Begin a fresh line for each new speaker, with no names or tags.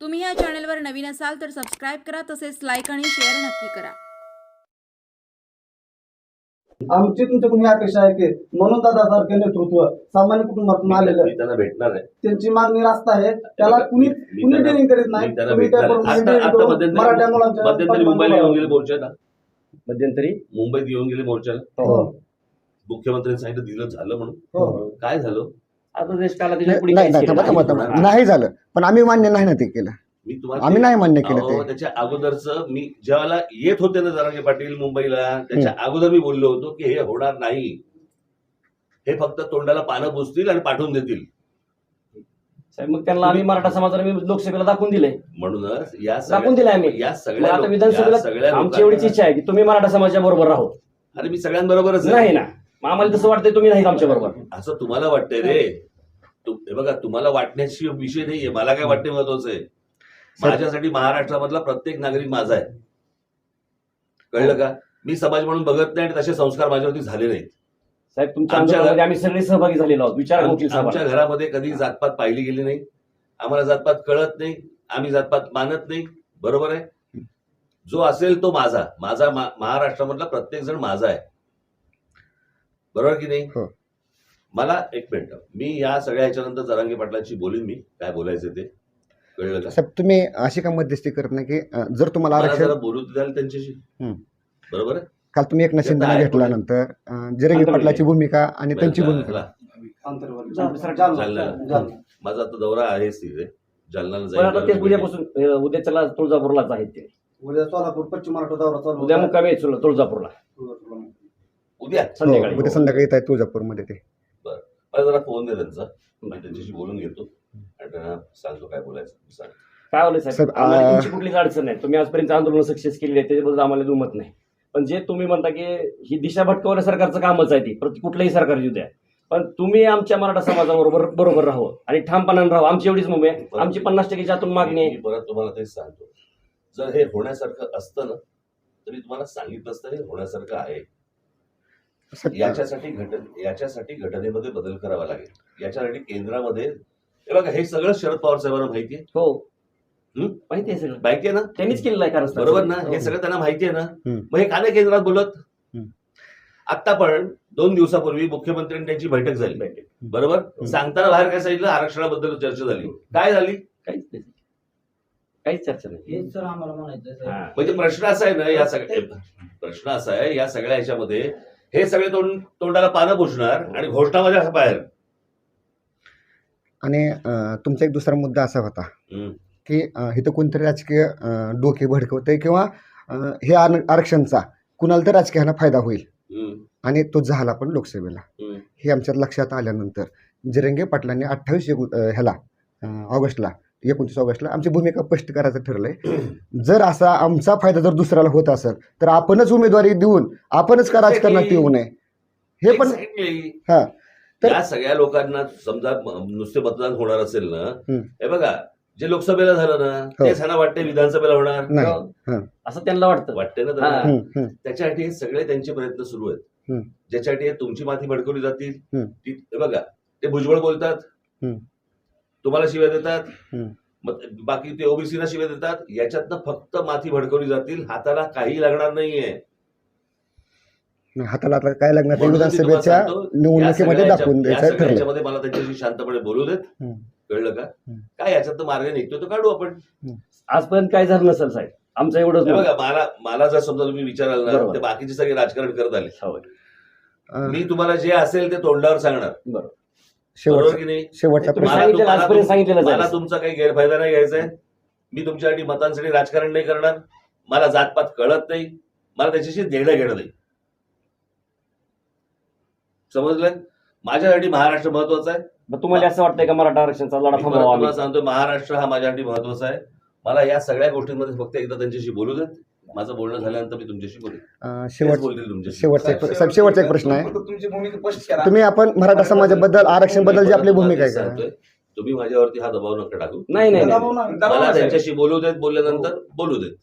तुम्ही या चॅनलवर नवीन असाल तर सबस्क्राईब करा, तसेच लाईक आणि शेअर नक्की करा.
आमची तुमच्याकडून ही अपेक्षा आहे की म्हणून दादासारखे नेतृत्व सामान्य कुटुंबातून आलेलं
मी त्यांना भेटणार आहे.
त्यांची मागणी रास्त आहे, त्याला कुणी डिलिंग करीत नाही.
मी त्यांना
तुम्ही
भेटणार
त्याप्रमाणे
आहे.
dealing
आता
करून मराठा मुलांच्या
मध्यंतरी मुंबईला येऊन गेले मोर्चाला.
मध्यंतरी
मुंबईत येऊन गेले मोर्चाला.
हो.
मुख्यमंत्र्यांनी सांगितलं दिलं झालं म्हणून.
हो.
काय झालं?
आता देश काला त्याच्या पुढे
नाही
काहीच
नाही
केलं
थांबा,
नाही.
थांबा. नाही झालं, पण आम्ही मान्य नाही ना ते केलं.
मी तुम्हाला
आम्ही नाही मान्य केलं
अहो,
ते.
त्याच्या अगोदरच मी ज्यावेळेला येत होते ना जरांगे पाटील मुंबईला, त्याच्या अगोदर मी बोललो होतो की हे होणार नाही. हे फक्त तोंडाला पानं पुसतील आणि पाठवून देतील.
साहेब, मग त्यांना आम्ही मराठा समाजाला मी लोकसभेला दाखवून दिलंय.
म्हणूनच या
दाखवून दिलंय आम्ही.
या
मग
सगळ्या
आता
लोक- या
विधानसभेला
सगळ्या
आमची एवढीच इच्छा आहे की तुम्ही मराठा समाजाच्या बरोबर राहो.
अरे मी सगळ्यांबरोबरच आहे.
नाही ना, मग आम्हाला तसं वाटतंय तुम्ही नाहीत आमच्या बरोबर.
असं तुम्हाला वाटतंय रे. हे बघा, तुम्हाला वाटण्याची विषय नाहीये. मला काय वाटणे महत्वाचं आहे. माझ्यासाठी महाराष्ट्रामधला प्रत्येक नागरिक माझा आहे. कळलं का? मी समाज म्हणून बघत नाही आणि तसे संस्कार माझ्यावरती झाले नाहीत.
साहेब, तुमच्या
आमच्या
आंदोलनामध्ये आम्ही सगळे सहभागी झालेलो आहोत. विचारा वकील
आमच्या
साहेब.
घरामध्ये कधी जातपात पाहिली गेली नाही. आम्हाला जातपात कळत नाही. आम्ही जातपात मानत नाही. बरोबर आहे. जो असेल तो माझा. माझा महाराष्ट्रामधला प्रत्येक जण माझा आहे. बरोबर की नाही?
हो.
मला एक मिनिट, मी या सगळ्या ह्याच्यानंतर जरांगे पाटलांशी बोलीन. मी काय बोलायचं ते कळलं का?
साहेब, तुम्ही अशी का मध्यस्थी करत नाही की जर तुम्हाला
मला
आरक्षण
जरा बोलू द्याल त्यांच्याशी.
हम्म.
बरोबर आहे.
काल तुम्ही एकनाथ शिंदेना
आहे
घेतल्यानंतर जिरंगी पाटलाची भूमिका आणि त्यांची भूमिका
जालन्याला. माझा आता दौरा आहेच तिथे. जालन्याला
पण आता ते
जाईल.
उद्यापासून उद्याच्याला तुळजापूरलाच आहेत ते.
उद्या सोलापूर पश्चिम महाराष्ट्र दौरा चालू
उद्या मुक्कामी आहेत तुळजापूरला
उद्या
संध्याकाळी.
उद्या संध्याकाळी येत आहे तुळजापूरमध्ये ते.
मला जरा फोन दे त्यांचा. मी त्यांच्याशी बोलून घेतो आणि त्यांना सांगतो काय बोलायचं. सांग.
काय होलं साहेब,
साहेब,
आम्हाला तुमची कुठलीच अडचण नाही. तुम्ही आजपर्यंत आंदोलन सक्सेस केली आहे त्याच्याबद्दल आम्हाला दुमत नाही. पण जे तुम्ही म्हणता की ही दिशा भटकवण्या सरकारचं कामच आहे ती, कुठलंही सरकार येऊ द्या, पण तुम्ही आमच्या मराठा समाजाबरोबर राहू आणि ठामपणाने राहू. आमची एवढीच मुंबई आहे. आमची 50% आतून मागणी आहे.
मी परत तुम्हाला तेच सांगतो. जर हे होण्यासारखं असतं ना तरी तुम्हाला सांगितलं असतं हे होण्यासारखं आहे.
साहेब,
याच्यासाठी घटनेमध्ये बदल करावा लागेल. याच्यासाठी केंद्रामध्ये हे बघा, हे सगळं शरद पवार साहेबांना माहिती आहे.
हो,
हम्म?
माहिती आहे सगळं.
माहिती आहे ना?
त्यांनीच केलेलं आहे कारण
बरोबर ना? हे सगळं त्यांना माहिती आहे ना?
हम्म.
मग हे का नाही केंद्रात बोलत?
हम्म.
आता पण 2 दिवसापूर्वी मुख्यमंत्र्यांनी त्यांची बैठक झाली. बरोबर. सांगताना बाहेर काय सांगितलं? आरक्षणाबद्दल चर्चा झाली. काय झाली?
काहीच चर्चा नाही.
हेच सर आम्हाला म्हणायचं
हा.
म्हणजे प्रश्न असा आहे ना, या सगळ्या ह्याच्यामध्ये हे सगळे तोंडाला पानं पुसणार आणि घोषणा माझ्या बाहेर.
आणि तुमचा एक दुसरा मुद्दा असा होता की इथं कोणतरी राजकीय डोके भडकवते किंवा हे आरक्षणचा कुणाला तर राजकीयाला फायदा होईल आणि तो झाला पण लोकसभेला. हे आमच्या लक्षात आल्यानंतर जिरंगे पाटलांनी 29 ऑगस्टला आमची भूमिका स्पष्ट करायचं ठरलंय. जर असा आमचा फायदा जर दुसऱ्याला होत असेल तर आपणच उमेदवारी देऊन आपणच का राजकारणात येऊ नये हे पण. हा, तर
या सगळ्या लोकांना समजा नुसते मतदान होणार असेल ना, हे बघा जे लोकसभेला झालं ना तेच ह्यांना वाटते विधानसभेला होणार
नाही.
असं त्यांना वाटतं.
वाटते ना
हा.
त्यांना. त्याच्यासाठी हे सगळे त्यांचे प्रयत्न सुरू आहेत. ज्याच्यासाठी हे तुमची माती भडकवली जातील. हे बघा, ते भुजबळ बोलतात, तुम्हाला शिव्या देतात, मग बाकी ते ओबीसीला शिव्या देतात. याच्यातनं फक्त माती भडकवली जातील. हाताला काही लागणार नाहीये.
हाताला आता काय लागणार ते
म्हणून मी तुम्हाला
विधानसभेच्या
सांगतो,
निवडणुकीमध्ये दाखवून
या
द्यायचं
सगळ्या
ठरलं.
ह्याच्यामध्ये मला त्यांच्याशी शांतपणे बोलू देत. कळलं का? काय याच्यात मार्ग निघतो तो काढू आपण.
आजपर्यंत काय झालं नसेल साहेब, आमचं एवढंच
हे
मत.
बघा, मला जर समजा तुम्ही विचाराल ना,
बरोबर.
ते बाकीचे सगळे राजकारण करत आले.
होय.
मी तुम्हाला जे असेल ते तोंडावर सांगणार.
बरोबर.
बरोबर की नाही?
शेवटचा
तुम्ही
प्रश्न.
सांगितलेलं आजपर्यंत सांगितलेलं
मला
आहे.
तुमचा काही गैरफायदा नाही घ्यायचा आहे. मी तुमच्यासाठी मतांसाठी राजकारण नाही करणार. मला जातपात कळत नाही. मला त्याच्याशी देणं घेणं नाही. समजलं? माझ्यासाठी महाराष्ट्र महत्वाचा आहे.
मग तुम्हाला असं वाटतंय का मराठा आरक्षणाचा लढा
मी परत
थांबवावा आम्ही?
तुम्हाला सांगतो, महाराष्ट्र हा माझ्यासाठी महत्वाचा आहे. मला या सगळ्या गोष्टींमध्ये फक्त एकदा त्यांच्याशी बोलू देत. माझं बोलणं झाल्यानंतर मी तुमच्याशी बोलेन. बोलतील तुमच्याशी.
शेवटचा एक प्रश्न आहे.
तुमची भूमिका स्पष्ट करा.
तुम्ही आपण मराठा समाजाबद्दल आरक्षण बद्दल जी आपली भूमिका आहे का?
सांगतोय, तुम्ही माझ्यावरती हा दबाव नका टाकू.
नाही नाही नाही.
दबाव नाही.
मला त्यांच्याशी बोलू देत. बोलल्यानंतर बोलू देत.